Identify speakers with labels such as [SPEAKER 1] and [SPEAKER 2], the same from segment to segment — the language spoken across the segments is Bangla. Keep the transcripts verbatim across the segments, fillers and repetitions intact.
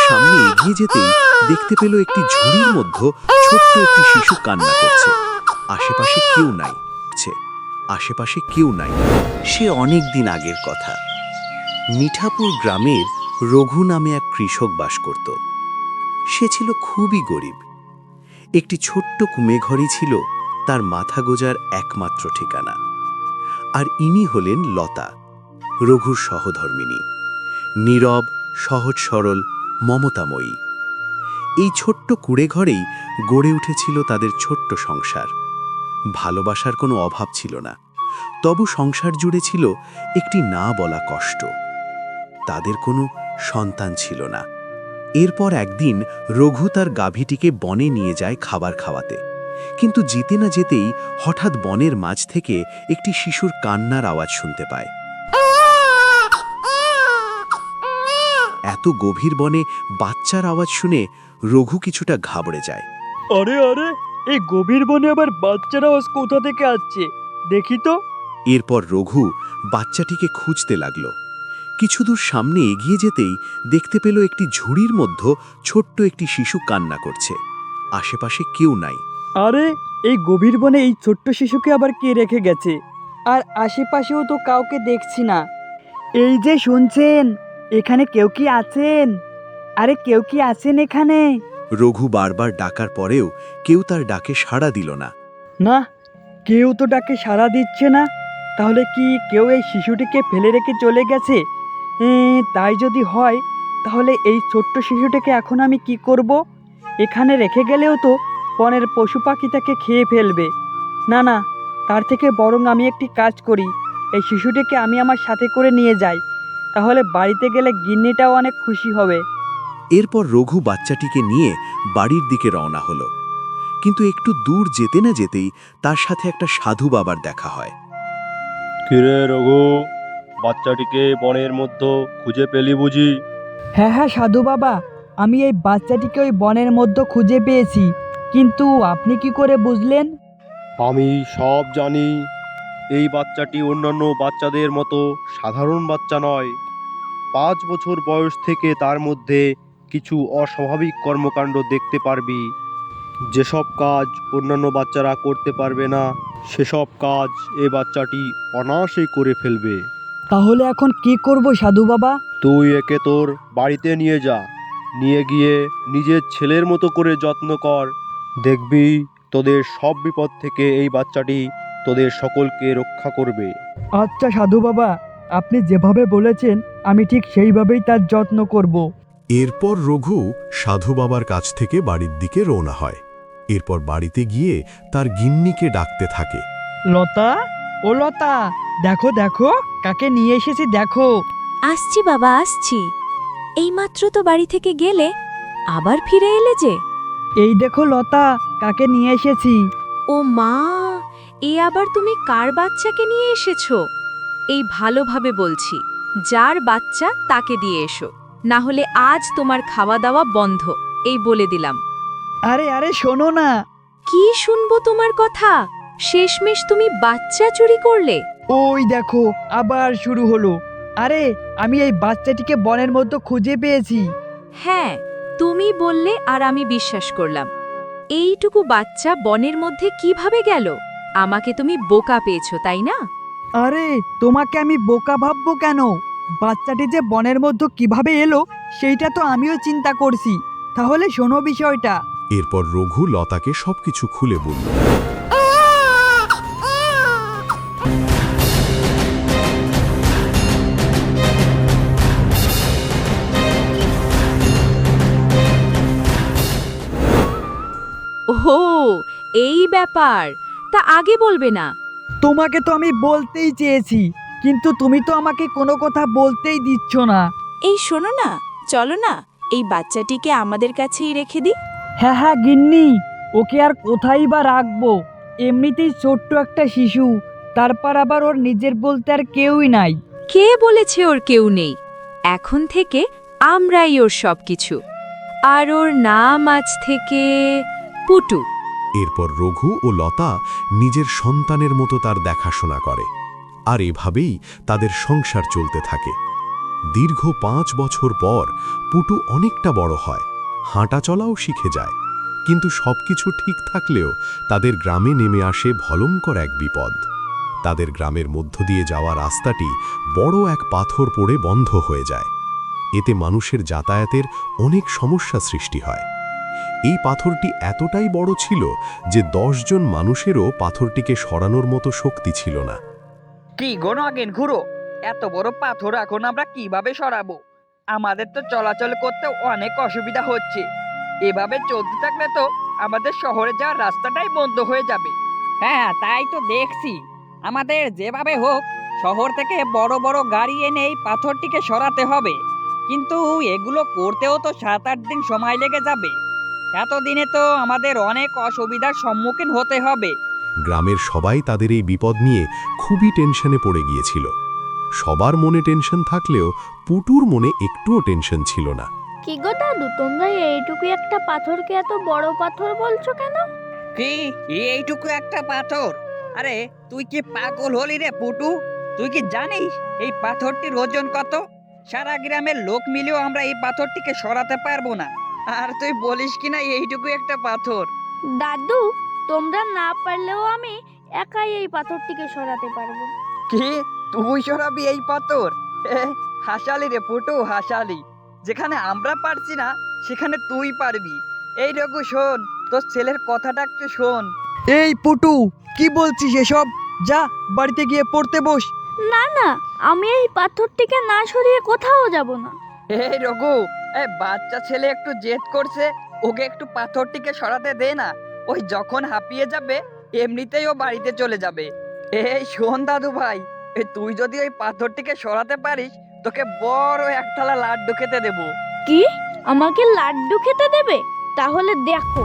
[SPEAKER 1] সামনে এগিয়ে যেতেই দেখতে পেল একটি ঝুড়ির মধ্যে ছোট্ট একটি শিশু কান্না করছে। আশেপাশে কেউ নাই। আশেপাশে কেউ নাই। সে অনেক দিন আগের কথা। মিঠাপুর গ্রামের রঘু নামে এক কৃষক বাস করত। সে ছিল খুবই গরিব। একটি ছোট্ট কুমেঘরই ছিল তার মাথা গোজার একমাত্র ঠিকানা। আর ইনি হলেন লতা, রঘুর সহধর্মিণী, নীরব, সহজ সরল, মমতাময়ী। এই ছোট্ট কুড়েঘরেই গড়ে উঠেছিল তাদের ছোট্ট সংসার। ভালোবাসার কোনো অভাব ছিল না, তবু সংসার জুড়ে ছিল একটি না বলা কষ্ট। তাদের কোনো সন্তান ছিল না। এরপর একদিন রঘু তার গাভীটিকে বনে নিয়ে যায় খাবার খাওয়াতে, কিন্তু যেতে না যেতেই হঠাৎ বনের মাঝ থেকে একটি শিশুর কান্নার আওয়াজ শুনতে পায়। এত গভীর বনে বাচ্চার আওয়াজ শুনে রঘু কিছুটা ঘাবড়ে যায়।
[SPEAKER 2] আরে আরে এই গভীর বনে আবার বাচ্চার আওয়াজ কোথা থেকে আসছে, দেখি তো।
[SPEAKER 1] এরপর রঘু বাচ্চাটিকে খুঁজতে লাগলো। কিছু দূর সামনে এগিয়ে যেতেই দেখতে পেল একটি ঝুড়ির মধ্যে ছোট্ট একটি শিশু কান্না করছে। আশেপাশে কেউ নাই।
[SPEAKER 2] আরে এই গভীর বনে এই ছোট্ট শিশুকে আবার কে রেখে গেছে? আর আশেপাশেও তো কাউকে দেখছি না। এই যে শুনছেন, এখানে কেউ কি আছেন? আরে কেউ কি আছেন এখানে?
[SPEAKER 1] রঘু বারবার ডাকার পরেও কেউ তার ডাকে সাড়া দিল না।
[SPEAKER 2] না, কেউ তো ডাকে সাড়া দিচ্ছে না। তাহলে কি কেউ এই শিশুটিকে ফেলে রেখে চলে গেছে? এ, তাই যদি হয় তাহলে এই ছোট্ট শিশুটিকে এখন আমি কি করব? এখানে রেখে গেলেও তো বনের পশু পাখি তাকে খেয়ে ফেলবে। না না, তার থেকে বরং আমি একটি কাজ করি, এই শিশুটিকে আমি আমার সাথে করে নিয়ে যাই। তাহলে বাড়িতে গেলে গিন্নিটাও অনেক খুশি হবে।
[SPEAKER 1] এরপর রঘু বাচ্চাটিকে নিয়ে বাড়ির দিকে রওনা হলো। কিন্তু একটু দূর যেতে না যেতেই তার সাথে একটা সাধু বাবার দেখা হয়।
[SPEAKER 3] কিরে রঘু, বাচ্চাটিকে বনের মধ্যে খুঁজে পেলি বুঝি?
[SPEAKER 2] হ্যাঁ হ্যাঁ সাধু বাবা, আমি এই বাচ্চাটিকে ওই বনের মধ্যে খুঁজে পেয়েছি। কিন্তু আপনি কি করে বুঝলেন?
[SPEAKER 3] আমি সব জানি। এই বাচ্চাটি অন্যান্য বাচ্চাদের মতো সাধারণ বাচ্চা নয়। পাঁচ বছর বয়স থেকে তার মধ্যে কিছু অস্বাভাবিক কর্মকাণ্ড দেখতে পারবি। যেসব কাজ অন্যান্য বাচ্চারা করতে পারবে না, সেসব কাজ এ বাচ্চাটি অনায়াসেই করে ফেলবে।
[SPEAKER 2] তাহলে এখন কি করব সাধু বাবা?
[SPEAKER 3] তুই একে তোর বাড়িতে নিয়ে যা। নিয়ে গিয়ে নিজের ছেলের মতো করে যত্ন কর। দেখবি তোদের সব বিপদ থেকে এই বাচ্চাটি তোদের সকলকে রক্ষা করবে।
[SPEAKER 2] আচ্ছা সাধু বাবা, আপনি যেভাবে বলেছেন আমি ঠিক সেইভাবেই তার যত্ন করব।
[SPEAKER 4] এরপর রঘু সাধু বাবার কাছ থেকে বাড়ির দিকে রওনা হয়। এরপর বাড়িতে গিয়ে তার গিন্নিকে ডাকতে থাকে।
[SPEAKER 2] লতা, ও লতা, দেখো দেখো কাকে নিয়ে এসেছি দেখো।
[SPEAKER 5] আসছি বাবা, আসছি। এইমাত্র তো বাড়ি থেকে গেলে, আবার ফিরে এলে যে?
[SPEAKER 2] এই দেখো লতা, কাকে নিয়ে এসেছি।
[SPEAKER 5] ও মা, এ আবার তুমি কার বাচ্চাকে নিয়ে এসেছো? এই ভালোভাবে বলছি, যার বাচ্চা তাকে দিয়ে এসো, না হলে আজ তোমার খাওয়া দাওয়া বন্ধ, এই বলে দিলাম।
[SPEAKER 2] আরে আরে শোনো না।
[SPEAKER 5] কি শুনবো তোমার কথা? শেষমেশ তুমি বাচ্চা চুরি করলে?
[SPEAKER 2] ওই দেখো আবার শুরু হলো। আরে আমি এই বাচ্চাটিকে বনের মধ্যে খুঁজে পেয়েছি।
[SPEAKER 5] হ্যাঁ, তুমি বললে আর আমি বিশ্বাস করলাম। এইটুকু বাচ্চা বনের মধ্যে কিভাবে গেল? আমাকে তুমি বোকা পেয়েছো, তাই না?
[SPEAKER 2] আরে তোমাকে আমি বোকা ভাববো কেন? বাচ্চাটি যে বনের মধ্যে কিভাবে এলো সেইটা তো আমিও চিন্তা করছি। তাহলে শোনো বিষয়টা।
[SPEAKER 4] এরপর রঘু লতাকে সবকিছু খুলে বলল।
[SPEAKER 5] ওহো, এই ব্যাপার। তা আগে বলবে না?
[SPEAKER 2] তোমাকে তো আমি বলতেই চেয়েছি, কিন্তু তুমি তো আমাকে কোনো কথা বলতেই দিচ্ছ না।
[SPEAKER 6] এই শোনো না, চলো না এই বাচ্চাটিকে আমাদের কাছেই রেখে দিই।
[SPEAKER 2] হ্যাঁ হ্যাঁ গিন্নি, ওকে আর কোথায় বা রাখবো? এমনিতেই ছোট্ট একটা শিশু, তারপর আবার ওর নিজের বলতে আর কেউই নাই।
[SPEAKER 5] কে বলেছে ওর কেউ নেই? এখন থেকে আমরাই ওর সবকিছু। আর ওর নাম আজ থেকে পুটু।
[SPEAKER 4] এরপর রঘু ও লতা নিজের সন্তানের মতো তার দেখাশোনা করে। আর এভাবেই তাদের সংসার চলতে থাকে। দীর্ঘ পাঁচ বছর পর পুটু অনেকটা বড় হয়, হাঁটা চলাও শিখে যায়। কিন্তু সবকিছু ঠিক থাকলেও তাদের গ্রামে নেমে আসে ভয়ঙ্কর এক বিপদ। তাদের গ্রামের মধ্য দিয়ে যাওয়া রাস্তাটি বড় এক পাথর পড়ে বন্ধ হয়ে যায়। এতে মানুষের যাতায়াতের অনেক সমস্যা সৃষ্টি হয়। এই পাথরটি এতটাই বড় ছিল যে দশ জন মানুষেরও পাথরটিকে সরানোর মতো শক্তি ছিল না।
[SPEAKER 2] কি গো নগেন খুড়ো, এত বড় পাথর এখন আমরা কিভাবে সরাবো? আমাদের তো চলাচল করতে অনেক অসুবিধা হচ্ছে। এভাবে চলতে থাকলে তো আমাদের শহরে যাওয়ার রাস্তাটাই বন্ধ হয়ে যাবে। হ্যাঁ, তাই তো দেখছি। আমাদের যেভাবে হোক শহর থেকে বড় বড় গাড়ি এনে এই পাথরটিকে সরাতে হবে। কিন্তু এগুলো করতেও তো সাত আট দিন সময় লেগে যাবে। এতদিনে তো আমাদের অনেক অসুবিধার সম্মুখীন হতে হবে।
[SPEAKER 4] গ্রামের সবাই তাদের এই বিপদ নিয়ে খুবই টেনশনে পড়ে গিয়েছিল। সবার মনে টেনশন থাকলেও পুটুর মনে একটুও টেনশন ছিল না।
[SPEAKER 7] কি গো দাদু, তোমরা এইটুকু একটা পাথরকে এত বড় পাথর বলছো কেন?
[SPEAKER 2] কি এইটুকু একটা পাথর? আরে তুই কি পাগল হলি রে পুটু? তুই কি জানিস এই পাথরটির ওজন কত? সারা গ্রামের লোক মিলেও আমরা এই পাথরটিকে সরাতে পারবো না, আর তুই বলিস কিনা এইটুকু একটা পাথর।
[SPEAKER 7] দাদু, তোমরা না পারলেও আমি একাই এই পাথরটিকে সরাতে পারবো।
[SPEAKER 2] কি তুই সরাবি এই পাথর? এ, হাসালি রে পুটু, হাসালি। যেখানে আমরা পারছি না সেখানে তুই পারবি। এই রঘু শোন, তোর ছেলের কথাটা একটু শোন। এই পুটু, কি বলছিস এসব? যা বাড়িতে গিয়ে পড়তে বস।
[SPEAKER 7] না না, আমি এই পাথরটিকে না সরিয়ে কোথাও যাব না।
[SPEAKER 2] এই রঘু, এই বাচ্চা ছেলে একটু জেদ করছে, ওকে একটু পাথরটিকে সরাতে দে না। ওই যখন হাঁপিয়ে যাবে এমনিতেই ও বাড়িতে চলে যাবে। এই শোন দাদু ভাই, এ তুই যদি ওই পাথরটিকে সরাতে পারিস তোকে বড় এক থালা লাড্ডু খেতে দেবো।
[SPEAKER 7] কি, আমাকে লাড্ডু খেতে দেবে? তাহলে দেখো।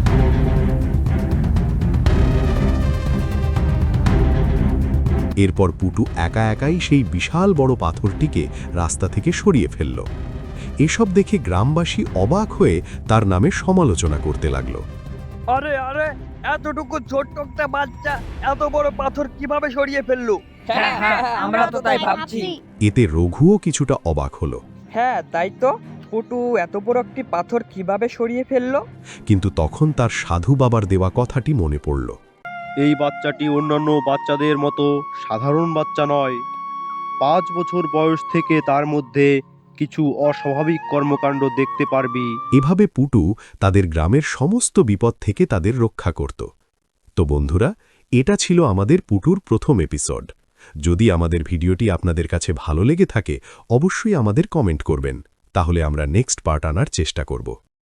[SPEAKER 4] এরপর পুটু একা একাই সেই বিশাল বড় পাথরটিকে রাস্তা থেকে সরিয়ে ফেলল। এসব দেখে গ্রামবাসী অবাক হয়ে তার নামে সমালোচনা করতে লাগলো।
[SPEAKER 2] আরে আরে, এতটুকু ছোট্ট একটা বাচ্চা এত বড় পাথর কিভাবে সরিয়ে ফেললো?
[SPEAKER 7] হ্যাঁ, হ্যাঁ, আমরা তো তাই ভাবছি।
[SPEAKER 4] এতে রঘুও কিছুটা অবাক হলো।
[SPEAKER 2] হ্যাঁ তাই তো, পুটু এত বড় একটি পাথর কিভাবে সরিয়ে ফেললো?
[SPEAKER 4] কিন্তু তখন তার সাধু বাবার দেওয়া কথাটি মনে পড়ল।
[SPEAKER 3] এই বাচ্চাটি অন্যান্য বাচ্চাদের মতো সাধারণ বাচ্চা নয়। পাঁচ বছর বয়স থেকে তার মধ্যে কিছু অস্বাভাবিক কর্মকাণ্ড দেখতে পারবি।
[SPEAKER 4] এভাবে পুটু তাদের গ্রামের সমস্ত বিপদ থেকে তাদের রক্ষা করত। তো বন্ধুরা, এটা ছিল আমাদের পুটুর প্রথম এপিসোড। যদি আমাদের ভিডিওটি আপনাদের কাছে ভালো লেগে থাকে অবশ্যই আমাদের কমেন্ট করবেন, তাহলে আমরা নেক্সট পার্ট আনার চেষ্টা করব।